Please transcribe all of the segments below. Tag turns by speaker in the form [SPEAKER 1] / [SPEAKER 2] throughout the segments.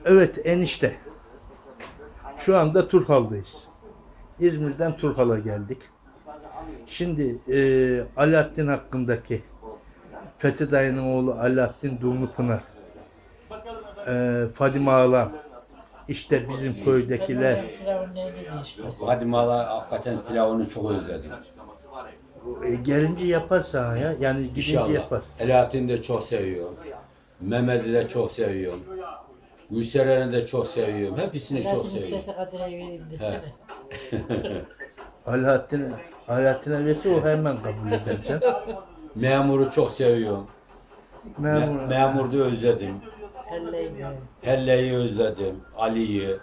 [SPEAKER 1] Evet enişte. Şu anda Turhal'dayız. İzmir'den Turhal'a geldik. Şimdi Alaaddin hakkındaki Fethi dayının oğlu Alaaddin Dumlupınar, Fadime Ağalam, işte bizim köydekiler.
[SPEAKER 2] Pilavın neydi işte.
[SPEAKER 3] Fadime Hala hakikaten pilavını çok özledim.
[SPEAKER 1] Gelince yapar sana ya. Yani gidince
[SPEAKER 3] İnşallah.
[SPEAKER 1] yapar.
[SPEAKER 3] Alaaddin'i de çok seviyorum. Mehmet'i de çok seviyorum. Gülseren'i de çok seviyorum. Hepsini çok
[SPEAKER 2] Zaten
[SPEAKER 3] seviyorum.
[SPEAKER 2] isterse Kadir'e vereyim desene.
[SPEAKER 1] Alaaddin'e verse o hemen kabul eder canım.
[SPEAKER 3] Memur'u çok seviyorum. Memur'u da özledim.
[SPEAKER 2] Elleyin.
[SPEAKER 3] Helle'yi özledim. Ali'yi.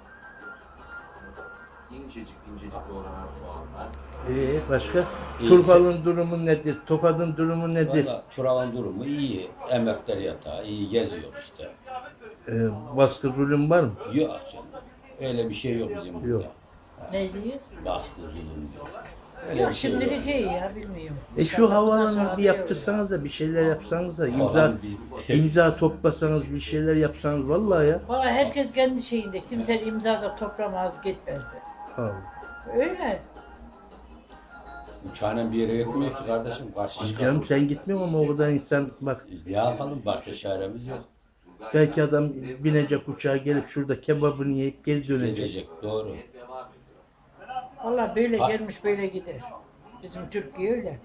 [SPEAKER 4] İncecik incecik doğranan soğanlar.
[SPEAKER 1] Başka?
[SPEAKER 3] İyi.
[SPEAKER 1] Turhal'ın durumu nedir? Tokat'ın durumu nedir?
[SPEAKER 3] Valla Tural'ın durumu iyi. Emekler yatağı iyi geziyor işte.
[SPEAKER 1] Baskı zulüm var mı?
[SPEAKER 3] Yok canım. Öyle bir şey yok bizim burada.
[SPEAKER 1] Yok.
[SPEAKER 2] Ne diyor?
[SPEAKER 3] Baskı zulüm diyor. Öyle
[SPEAKER 2] Yok
[SPEAKER 3] bir şey
[SPEAKER 2] şimdilik
[SPEAKER 3] yok.
[SPEAKER 2] iyi ya bilmiyorum.
[SPEAKER 1] Şu
[SPEAKER 2] İnşallah bundan
[SPEAKER 1] havalanı
[SPEAKER 2] sonra
[SPEAKER 1] bir
[SPEAKER 2] diyor.
[SPEAKER 1] yaptırsanız da bir şeyler yapsanız da
[SPEAKER 3] Vallahi biz-
[SPEAKER 1] imza toplasanız bir şeyler yapsanız vallahi ya.
[SPEAKER 2] Valla herkes kendi şeyinde. Kimse imza da toplamaz gitmez.
[SPEAKER 1] Allah.
[SPEAKER 2] Öyle.
[SPEAKER 3] Uçağın bir yere gitmiyor ki kardeşim. Karşı
[SPEAKER 1] Canım
[SPEAKER 3] çıkalım.
[SPEAKER 1] sen gitmiyorsun ama o kadar insan bak
[SPEAKER 3] Ne yapalım? Başka çaremiz yok.
[SPEAKER 1] belki adam binecek uçağa gelip şurada kebabını yiyip geri dönecek.
[SPEAKER 3] Gidecek. Doğru.
[SPEAKER 2] Valla böyle
[SPEAKER 3] Ha-
[SPEAKER 2] gelmiş böyle gider. Bizim Türkiye öyle.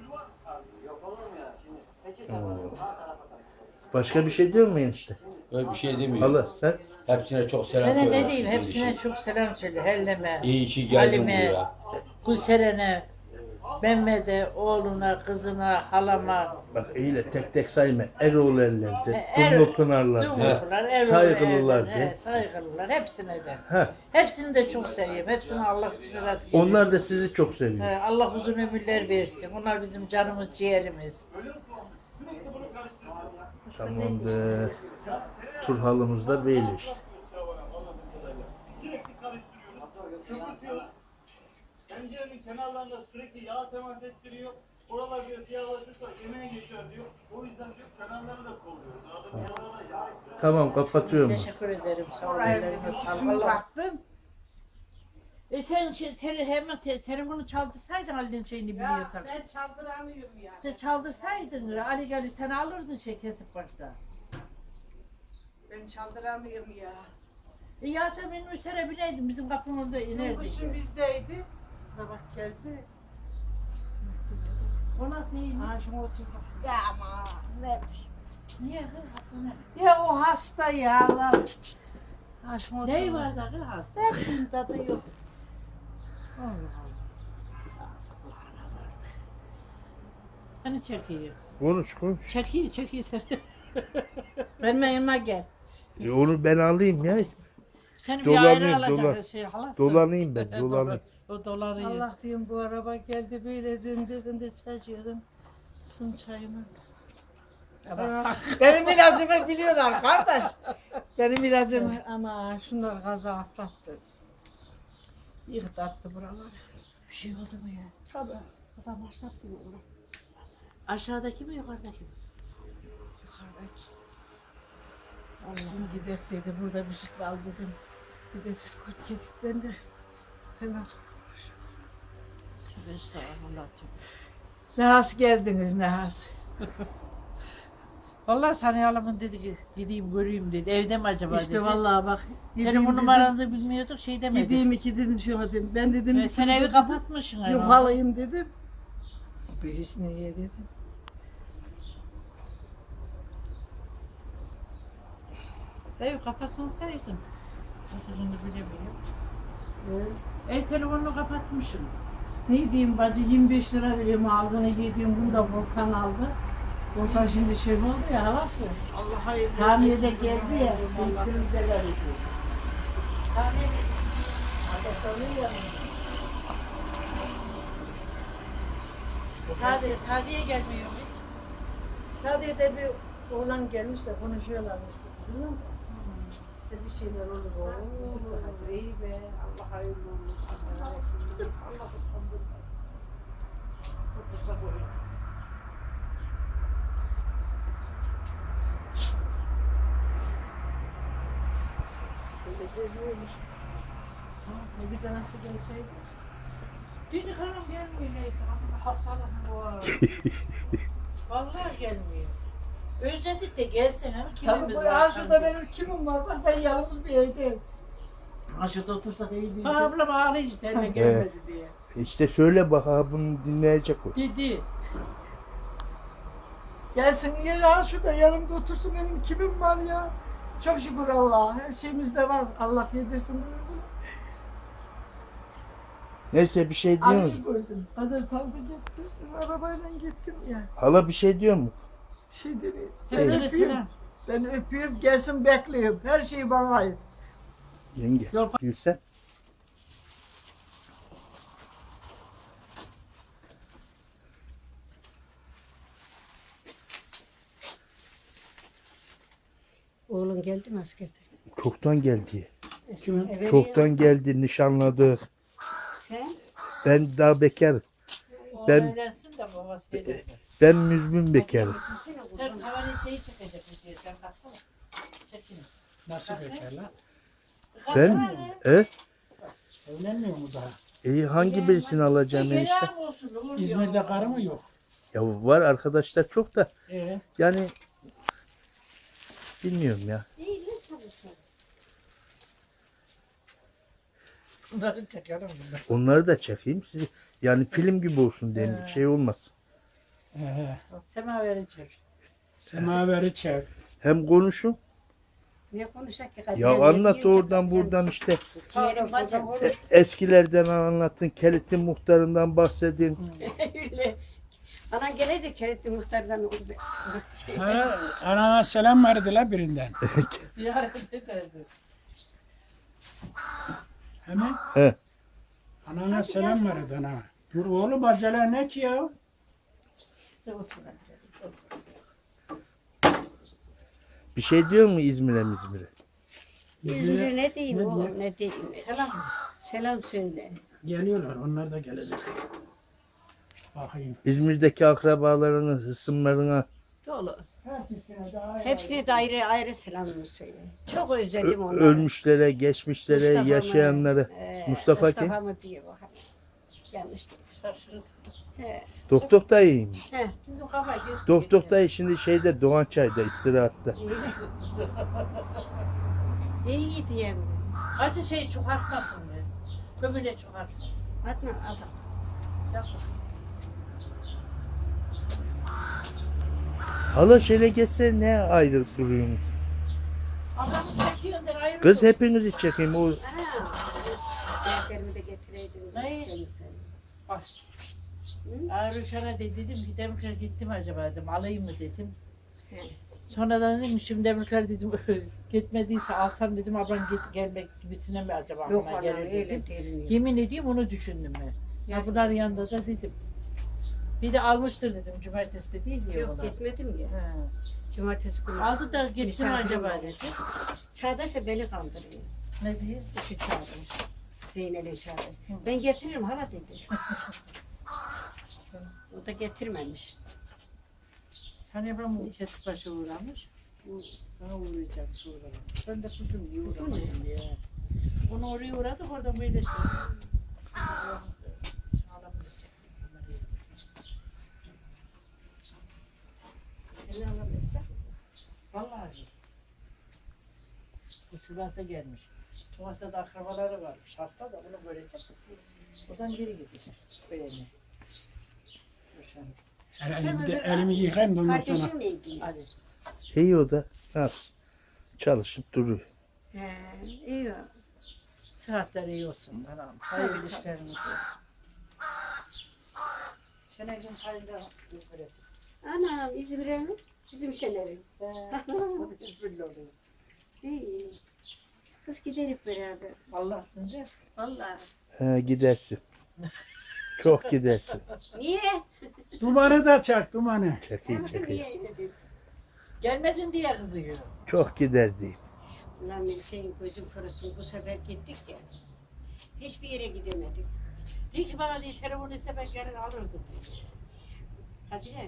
[SPEAKER 1] Başka bir şey diyor mu enişte?
[SPEAKER 3] Öyle bir şey demiyor.
[SPEAKER 1] Allah sen
[SPEAKER 3] Hepsine çok selam
[SPEAKER 2] Ben de
[SPEAKER 3] söyle.
[SPEAKER 2] ne diyeyim hepsine çok selam söyle. Helleme,
[SPEAKER 3] İyi ki geldin
[SPEAKER 2] Halime,
[SPEAKER 3] buraya.
[SPEAKER 2] Gülseren'e, Mehmet'e, oğluna, kızına, halama.
[SPEAKER 1] bak eyle tek tek sayma. Eroğlu ellerde,
[SPEAKER 2] Er-
[SPEAKER 1] Dumlu Pınarlar'da,
[SPEAKER 2] Dumlupınar, Erol,
[SPEAKER 1] saygılılar
[SPEAKER 2] Erol,
[SPEAKER 1] de.
[SPEAKER 2] saygılılar hepsine de.
[SPEAKER 1] Ha,
[SPEAKER 2] Hepsini de çok seviyorum. Hepsini Allah için razı getirsin.
[SPEAKER 1] onlar da sizi çok seviyor.
[SPEAKER 2] Allah uzun ömürler versin. Onlar bizim canımız, ciğerimiz.
[SPEAKER 1] Tamamdır. Turhalımız da böyle işte.
[SPEAKER 5] Sürekli karıştırıyoruz, köpürtüyoruz. Tencerenin kenarlarında sürekli yağ temas ettiriyor. Oralar bir siyahlaşırsa yemeğe geçer diyor. O yüzden diyor kenarları da kovuyoruz. Arada kenarlara yağ ekliyoruz.
[SPEAKER 1] Tamam kapatıyorum.
[SPEAKER 2] Teşekkür ederim. Sağ olun.
[SPEAKER 6] Oraya
[SPEAKER 2] Ellerine sağlık.
[SPEAKER 6] şunu
[SPEAKER 2] Allah.
[SPEAKER 6] baktım.
[SPEAKER 2] Sen hemen telefonu çaldırsaydın Ali'nin şeyini
[SPEAKER 6] Ya
[SPEAKER 2] biliyorsan.
[SPEAKER 6] ben çaldıramıyorum ya.
[SPEAKER 2] İşte çaldırsaydın Ali gelir sen alırdın şey kesip başta.
[SPEAKER 6] Ben çaldıramıyorum ya.
[SPEAKER 2] Ya da benim üstüne bineydin bizim kapının orada inerdik.
[SPEAKER 6] Durgusun bizdeydi. Sabah geldi.
[SPEAKER 2] O nasıl iyi?
[SPEAKER 6] Ha şunu otur. Ya ama ne diyeyim.
[SPEAKER 2] Niye kız hasına?
[SPEAKER 6] Ya o hasta ya lan. Ha şunu otur.
[SPEAKER 2] Neyi var da kız hasta?
[SPEAKER 6] Ne bileyim tadı yok.
[SPEAKER 2] Allah Allah. Seni çekiyor.
[SPEAKER 1] Konuş konuş.
[SPEAKER 2] Çekiyor seni.
[SPEAKER 6] Benim yanıma gel.
[SPEAKER 1] Onu ben alayım ya.
[SPEAKER 2] Seni bir
[SPEAKER 1] Dolanayım,
[SPEAKER 2] ayrı alacak şey halasın.
[SPEAKER 1] Dolanayım ben, dolanayım.
[SPEAKER 2] O dolanıyor.
[SPEAKER 6] Allah diyeyim bu araba geldi böyle döndüğünde çaycıyordum. Sun çayımı. Benim ilacımı biliyorlar kardeş. Benim ilacımı ama şunlar gaza atlattı. Yıktattı buraları.
[SPEAKER 2] Bir şey oldu mu ya?
[SPEAKER 6] Tabii. Adam başlat gibi olur.
[SPEAKER 2] Aşağıdaki mi yukarıdaki mi?
[SPEAKER 6] Yukarıdaki. Allah'ım gidelim dedi. Burada bir süt al dedim. Bir de bisküvit yedik ben de. Sen nasıl olmuş?
[SPEAKER 2] Tövbe estağfurullah.
[SPEAKER 6] Nahas geldiniz Nahas.
[SPEAKER 2] Vallahi Saniye Hanım'ın dedi ki gideyim göreyim dedi. Evde mi acaba dedi.
[SPEAKER 6] İşte vallahi bak.
[SPEAKER 2] Telefon numaranızı bilmiyorduk şey demedi.
[SPEAKER 6] Gideyim iki dedim şu dedim. Ben dedim.
[SPEAKER 2] Ve sen evi kapatmışsın. herhalde.
[SPEAKER 6] Yuhalayım dedim. Bir Hüsniye dedim.
[SPEAKER 2] Ev kapatılsaydın. Oturduğunu bilemiyorum.
[SPEAKER 6] Evet.
[SPEAKER 2] Ev telefonunu kapatmışsın.
[SPEAKER 6] Ne diyeyim bacı 25 lira veriyorum ağzına yediğim bunu da Volkan aldı. Volkan şimdi şey oldu ya halası.
[SPEAKER 2] Allah hayır.
[SPEAKER 6] Tamirde geldi ya. Büyüklerimizeler ediyor.
[SPEAKER 2] Sadiye gelmiyor mu?
[SPEAKER 6] Sadece de bir oğlan gelmiş de konuşuyorlarmış kızımla. İşte bir şeyler olur. Oo, iyi be. Allah hayırlı olsun.
[SPEAKER 2] Allah utandırmaz. Otursa koyulmaz.
[SPEAKER 6] böyle olur. Bir tanesi gelseydi.
[SPEAKER 2] Dün hanım gelmiyor neyse. Hastalığım var. Vallahi gelmiyor. Özledik de gelsin ama
[SPEAKER 6] Tabii
[SPEAKER 2] kimimiz
[SPEAKER 6] bu
[SPEAKER 2] var
[SPEAKER 6] Arzu'da
[SPEAKER 2] sanki.
[SPEAKER 6] benim kimim var? Bak ben yalnız bir evdeyim.
[SPEAKER 1] Aşağıda otursak iyi diyecek.
[SPEAKER 2] Ha, ablam ağlıyor işte elle gelmedi diye.
[SPEAKER 1] İşte söyle bak ha bunu dinleyecek o.
[SPEAKER 2] Dedi.
[SPEAKER 6] Gelsin niye ya şurada yanımda otursun benim kimim var ya? Çok şükür Allah'a. Her şeyimiz de var. Allah yedirsin bunu.
[SPEAKER 1] Neyse bir şey diyor
[SPEAKER 6] Ali'yi
[SPEAKER 1] musun?
[SPEAKER 6] gördüm. Gazetalda gittim. Arabayla gittim ya.
[SPEAKER 1] Hala bir şey diyor mu?
[SPEAKER 6] Şey dedi. Ben
[SPEAKER 2] Hepsine
[SPEAKER 6] öpüyorum.
[SPEAKER 2] selam.
[SPEAKER 6] Ben öpüyorum. Gelsin bekliyorum. Her şey bana ait.
[SPEAKER 1] Yenge.
[SPEAKER 2] Yok.
[SPEAKER 1] Gülsen.
[SPEAKER 6] Oğlum geldi mi askerden?
[SPEAKER 1] Çoktan geldi.
[SPEAKER 6] Evet.
[SPEAKER 1] Çoktan geldi nişanladık.
[SPEAKER 6] Sen?
[SPEAKER 1] Ben daha bekar.
[SPEAKER 2] O
[SPEAKER 1] Ben-
[SPEAKER 2] evlensin de babası gelir.
[SPEAKER 1] Ben müzmin bekarım.
[SPEAKER 2] Sen havanın şeyi çıkacak diye sen kalksana. Çekin.
[SPEAKER 7] Nasıl bekarlar?
[SPEAKER 1] Ben evet.
[SPEAKER 7] Evlenmiyor mu daha?
[SPEAKER 1] İyi hangi birisini alacağım enişte?
[SPEAKER 2] Gelen olsun. olur ya.
[SPEAKER 7] İzmir'de karı mı yok?
[SPEAKER 1] Ya var arkadaşlar çok da
[SPEAKER 7] Ee,
[SPEAKER 1] yani bilmiyorum ya.
[SPEAKER 2] Bunları çekerim bunları.
[SPEAKER 1] Onları da çekeyim sizi. Yani film gibi olsun diye şey olmaz.
[SPEAKER 2] Semaveri çek.
[SPEAKER 7] semaveri çek.
[SPEAKER 1] Hem konuşun.
[SPEAKER 6] Ne konuşacak ki?
[SPEAKER 1] Ya anlat oradan buradan işte.
[SPEAKER 6] Ciğerim bacım.
[SPEAKER 1] Eskilerden anlatın. Kelitin muhtarından bahsedin.
[SPEAKER 6] Öyle. Bana geleydi Keretli Muhtar'dan oldu.
[SPEAKER 7] Ha, anana selam verdiler birinden.
[SPEAKER 2] Ziyaret ederdi.
[SPEAKER 7] Hemen
[SPEAKER 1] He.
[SPEAKER 7] anana selam verdi ana. Dur oğlum acele ne ki ya?
[SPEAKER 1] Bir şey diyor mu İzmir'e?
[SPEAKER 6] İzmir'e ne diyeyim oğlum ne diyeyim.
[SPEAKER 2] Selam.
[SPEAKER 6] Selam söyle.
[SPEAKER 7] Geliyorlar onlar da gelecek. Bakayım.
[SPEAKER 1] İzmir'deki akrabalarına, hısımlarına
[SPEAKER 6] Dolu.
[SPEAKER 7] Hepsine daha
[SPEAKER 6] Hepsine de ayrı ayrı selamımı söyle. Çok özledim onları.
[SPEAKER 1] ölmüşlere, geçmişlere,
[SPEAKER 6] Mustafa'mı,
[SPEAKER 1] yaşayanlara. Mustafa kim?
[SPEAKER 6] Mustafa'mı diye bakalım. Yanlış değil.
[SPEAKER 2] Şaşırdı.
[SPEAKER 6] He.
[SPEAKER 1] Doktor dayıymış.
[SPEAKER 6] He.
[SPEAKER 2] Bizim kafa gitti.
[SPEAKER 1] Doktor dayı şimdi şeyde Doğançay'da istirahatta.
[SPEAKER 6] İyi diyeyim.
[SPEAKER 2] Acı şey çok artmasın be. Kömüle çok artmasın.
[SPEAKER 6] Adnan azat.
[SPEAKER 2] Yazık.
[SPEAKER 1] Hala şöyle geçse ne ayrı duruyorsunuz?
[SPEAKER 2] Adamı çekiyorsun der ayrı
[SPEAKER 1] Kız
[SPEAKER 2] dur.
[SPEAKER 1] hepinizi çekeyim. O
[SPEAKER 6] Defterimi de getireydim.
[SPEAKER 2] Ne? Bak. Rüşen'e de dedim ki Demirkar gittim acaba dedim alayım mı dedim.
[SPEAKER 6] He.
[SPEAKER 2] Sonradan dedim şimdi Demirkar dedim gitmediyse alsam dedim ablam gelmek gibisine mi acaba
[SPEAKER 6] Yok
[SPEAKER 2] aklıma
[SPEAKER 6] ana
[SPEAKER 2] gelir dedim.
[SPEAKER 6] öyle değil.
[SPEAKER 2] Yemin ediyorum onu düşündüm ben. Ya bunların yanında da dedim. Bir de almıştır dedim cumartesi de değil diye
[SPEAKER 6] Yok
[SPEAKER 2] ona.
[SPEAKER 6] gitmedim ya.
[SPEAKER 2] He.
[SPEAKER 6] Cumartesi günü.
[SPEAKER 2] Aldı da gittim
[SPEAKER 6] Misafir
[SPEAKER 2] acaba
[SPEAKER 6] oldu.
[SPEAKER 2] dedi.
[SPEAKER 6] Çağdaş'a beni kaldırıyor.
[SPEAKER 2] Ne diye?
[SPEAKER 6] Şu çağdaş. Zeynel'in çağdaş. Ben getiririm hala dedi. O da getirmemiş.
[SPEAKER 2] Sen Ebram bu kesik başı uğramış. Bana uğrayacağım sonra. Ben de kızım diye uğramadım diye. Onu oraya uğradık oradan böyle
[SPEAKER 6] Beni alamazsa.
[SPEAKER 2] Vallahi. Bu Sivas'a gelmiş. Tuvatta da akrabaları varmış. Hasta da bunu görecek. Buradan geri gidecek. Böyle.
[SPEAKER 7] Elimi yıkayayım da ondan sonra.
[SPEAKER 6] Kardeşimle ilgili.
[SPEAKER 2] Hadi.
[SPEAKER 1] iyi o da. Ha, çalışıp duruyor.
[SPEAKER 6] He, iyi o.
[SPEAKER 2] Sıhhatleri iyi olsun. Anam. Hayırlı işleriniz olsun. Şenay'cığım hayırlı böyle.
[SPEAKER 6] Anam İzmir'e mi? Bizim Şener'in.
[SPEAKER 2] İzmirli oluyor.
[SPEAKER 6] İyi. Kız gidelim beraber.
[SPEAKER 2] Allah sınır.
[SPEAKER 6] Vallahi.
[SPEAKER 1] Ha, gidersin. Çok gidersin.
[SPEAKER 6] Niye?
[SPEAKER 7] Dumanı da çak dumanı.
[SPEAKER 1] Çekeyim çekeyim.
[SPEAKER 6] Niye öyle dedin?
[SPEAKER 2] Gelmedin diye kızıyor.
[SPEAKER 1] Çok gider diyeyim.
[SPEAKER 6] Ulan bir şeyin gözüm kurusun. Bu sefer gittik ya. Hiçbir yere gidemedik.
[SPEAKER 2] Diyor ki bana diye telefon ise ben gelir alırdım.
[SPEAKER 6] Kadire.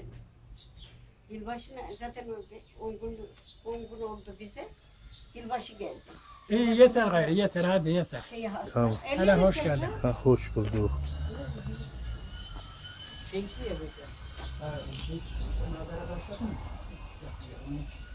[SPEAKER 6] Yılbaşına zaten 10 gün oldu bize. Yılbaşı geldi.
[SPEAKER 7] İyi yeter gayrı yeter hadi yeter.
[SPEAKER 1] Tamam.
[SPEAKER 7] Hele hoş geldin.
[SPEAKER 1] Ha, hoş bulduk.
[SPEAKER 2] Çekmiyor bir de.
[SPEAKER 7] Ha, hiç, beraber başladın mı?